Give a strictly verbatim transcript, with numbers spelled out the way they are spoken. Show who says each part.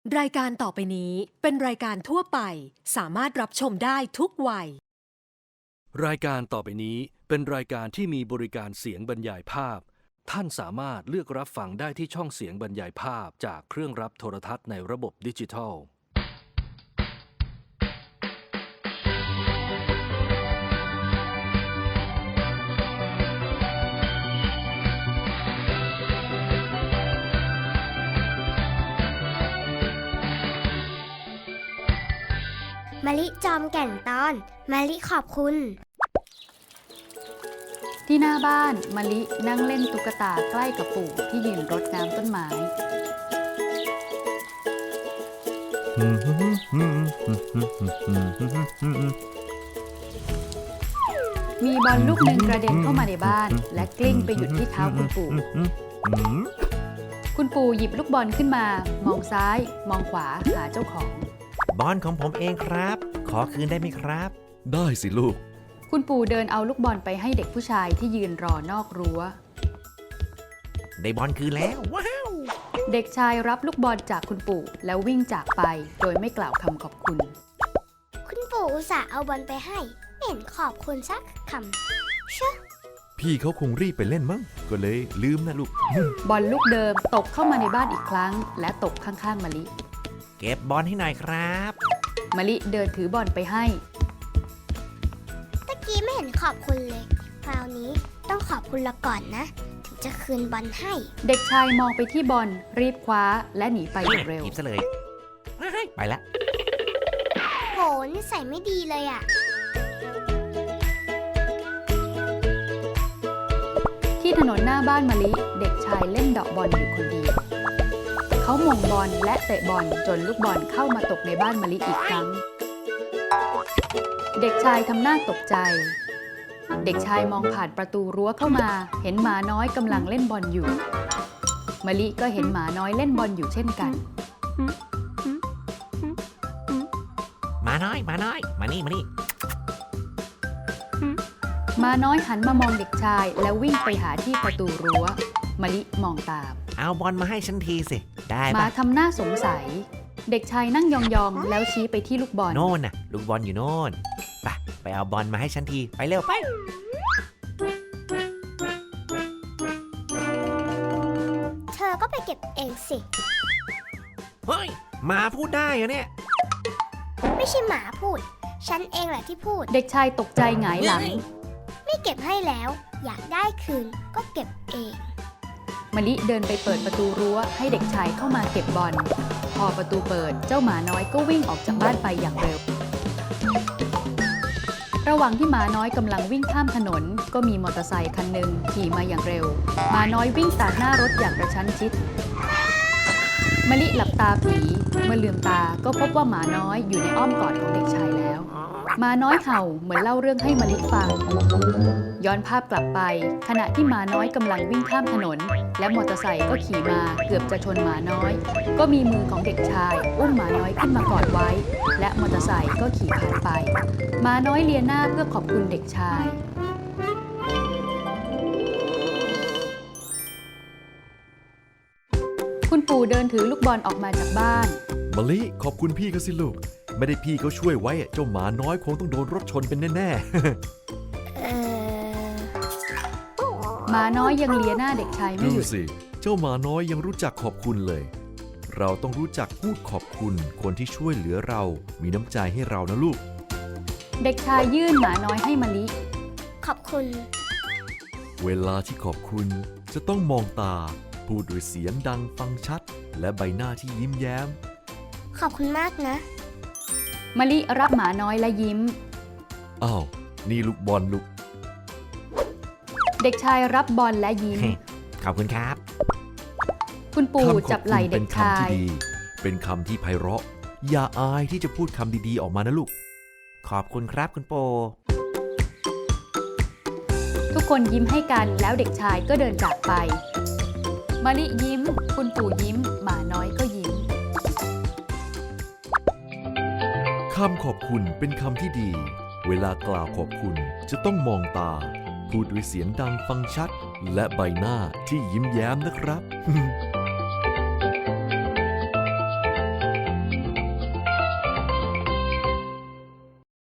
Speaker 1: รายการต่อไปนี้เป็นรายการทั่วไปสามารถรับชมได้ทุกวัย
Speaker 2: รายการต่อไปนี้เป็นรายการที่มีบริการเสียงบรรยายภาพท่านสามารถเลือกรับฟังได้ที่ช่องเสียงบรรยายภาพจากเครื่องรับโทรทัศน์ในระบบดิจิทัล
Speaker 3: มะลิจอมแก่นตอนมะลิขอบคุณ
Speaker 4: ที่หน้าบ้านมะลินั่งเล่นตุ๊กตาใกล้กับปู่ที่ยืนรดน้ำต้นไม้มีบอลลูกหนึ่งกระเด็นเข้ามาในบ้านและกลิ้งไปหยุดที่เท้าคุณปู่คุณปู่หยิบลูกบอลขึ้นมามองซ้ายมองขวาหาเจ้าของ
Speaker 5: บอลของผมเองครับขอคืนได้ไหมครับ
Speaker 2: ได้สิลูก
Speaker 4: คุณปู่เดินเอาลูกบอลไปให้เด็กผู้ชายที่ยืนรอนอกรั้ว
Speaker 5: ได้บอลคืนแล้วว้าว
Speaker 4: เด็กชายรับลูกบอลจากคุณปู่แล้ววิ่งจากไปโดยไม่กล่าวคำขอบคุณ
Speaker 3: คุณปู่อุตส่าห์เอาบอลไปให้ไม่เห็นขอบคุณสักคำเชอะ
Speaker 6: พี่เขาคงรีบไปเล่นมั้งก็เลยลืมนะลูก
Speaker 4: บอลลูกเดิมตกเข้ามาในบ้านอีกครั้งและตกข้างๆมะลิ
Speaker 5: เก็บบอลให้หน่อยครับ
Speaker 4: มะลิเดินถือบอลไปให้
Speaker 3: ตะกี้ไม่เห็นขอบคุณเลยคราวนี้ต้องขอบคุณละก่อนนะถึงจะคืนบอลให้
Speaker 4: เด็กชายมองไปที่บอลรีบคว้าและหนีไปอย่างเร็ว
Speaker 5: หยิบซะเลยไปละ
Speaker 3: โหนิสัยไม่ดีเลยอ่ะ
Speaker 4: ที่ถนนหน้าบ้านมะลิเด็กชายเล่นเดาะบอลอยู่คนเดียวเขาหม่งบอลและเตะบอลจนลูกบอลเข้ามาตกในบ้านมะลิอีกครั้งเด็กชายทำหน้าตกใจเด็กชายมองผ่านประตูรั้วเข้ามาเห็นหมาน้อยกำลังเล่นบอลอยู่มะลิก็เห็นหมาน้อยเล่นบอลอยู่เช่นกัน
Speaker 5: หมาน้อยหมาน้อยมานี่มานี่
Speaker 4: หมาน้อยหันมามองเด็กชายแล้ววิ่งไปหาที่ประตูรั้วมะลิมองตาม
Speaker 5: เอาบอลมาให้ฉันทีสิได้ปะ
Speaker 4: หมาทำหน้าสงสัยเด็กชายนั่งยองๆแล้วชี้ไปที่ลูกบอล
Speaker 5: โน่นน่ะลูกบอลอยู่โน่นไปไปเอาบอลมาให้ฉันทีไปเร็วไป
Speaker 3: เธอก็ไปเก็บเองสิ
Speaker 5: เฮ้ยหมาพูดได้เหรอเนี่ย
Speaker 3: ไม่ใช่หมาพูดฉันเองแหละที่พูด
Speaker 4: เด็กชายตกใจหงายหลัง
Speaker 3: ไม่เก็บให้แล้วอยากได้คืนก็เก็บเอง
Speaker 4: มะลิเดินไปเปิดประตูรั้วให้เด็กชายเข้ามาเก็บบอลพอประตูเปิดเจ้าหมาน้อยก็วิ่งออกจากบ้านไปอย่างเร็วระหว่างที่หมาน้อยกำลังวิ่งข้ามถนนก็มีมอเตอร์ไซค์คันหนึ่งขี่มาอย่างเร็วหมาน้อยวิ่งตัดหน้ารถอย่างกระชั้นชิดมะลิหลับตาผีเมื่อลืมตาก็พบว่าหมาน้อยอยู่ในอ้อมกอดของเด็กชายแล้วหมาน้อยเห่าเหมือนเล่าเรื่องให้มะลิฟังย้อนภาพกลับไปขณะที่หมาน้อยกำลังวิ่งข้ามถนนและมอเตอร์ไซค์ก็ขี่มาเกือบจะชนหมาน้อยก็มีมือของเด็กชายอุ้มหมาน้อยขึ้นมากอดไว้และมอเตอร์ไซค์ก็ขี่ผ่านไปหมาน้อยเลียหน้าเพื่อขอบคุณเด็กชายคุณปู่เดินถือลูกบอลออกมาจากบ้าน
Speaker 6: มะลิขอบคุณพี่เขาสิลูกไม่ได้พี่เขาช่วยไว้เจ้าหมาน้อยคงต้องโดนรถชนเป็นแน่ๆ
Speaker 3: เออ
Speaker 4: หมาน้อยยังเลียหน้าเด็กชายไม่หยุด
Speaker 6: ดูสิเจ้าหมาน้อยยังรู้จักขอบคุณเลยเราต้องรู้จักพูดขอบคุณคนที่ช่วยเหลือเรามีน้ำใจให้เรานะลูก
Speaker 4: เด็กชายยื่นหมาน้อยให้มะลิ
Speaker 3: ขอบคุณ
Speaker 6: เวลาที่ขอบคุณจะต้องมองตาพูดด้วยเสียงดังฟังชัดและใบหน้าที่ยิ้มแย้ม
Speaker 3: ขอบคุณมากนะ
Speaker 4: มะลิรับหมาน้อยและยิ้ม
Speaker 6: อ้าวนี่ลูกบอลลูก
Speaker 4: เด็กชายรับบอลและยิ้ม
Speaker 5: ขอบคุณครับ
Speaker 4: คุณปู่จับไหล่เด็กชาย
Speaker 6: เป็นคำที่ไพเราะอย่าอายที่จะพูดคำดีๆออกมานะลูก
Speaker 5: ขอบคุณครับคุณปู่
Speaker 4: ทุกคนยิ้มให้กันแล้วเด็กชายก็เดินจากไปมะลิยิ้มคุณปู่ยิ้มหมาน้อยก็ยิ้ม
Speaker 6: คำขอบคุณเป็นคำที่ดีเวลากล่าวขอบคุณจะต้องมองตาพูดด้วยเสียงดังฟังชัดและใบหน้าที่ยิ้มแย้มนะครับ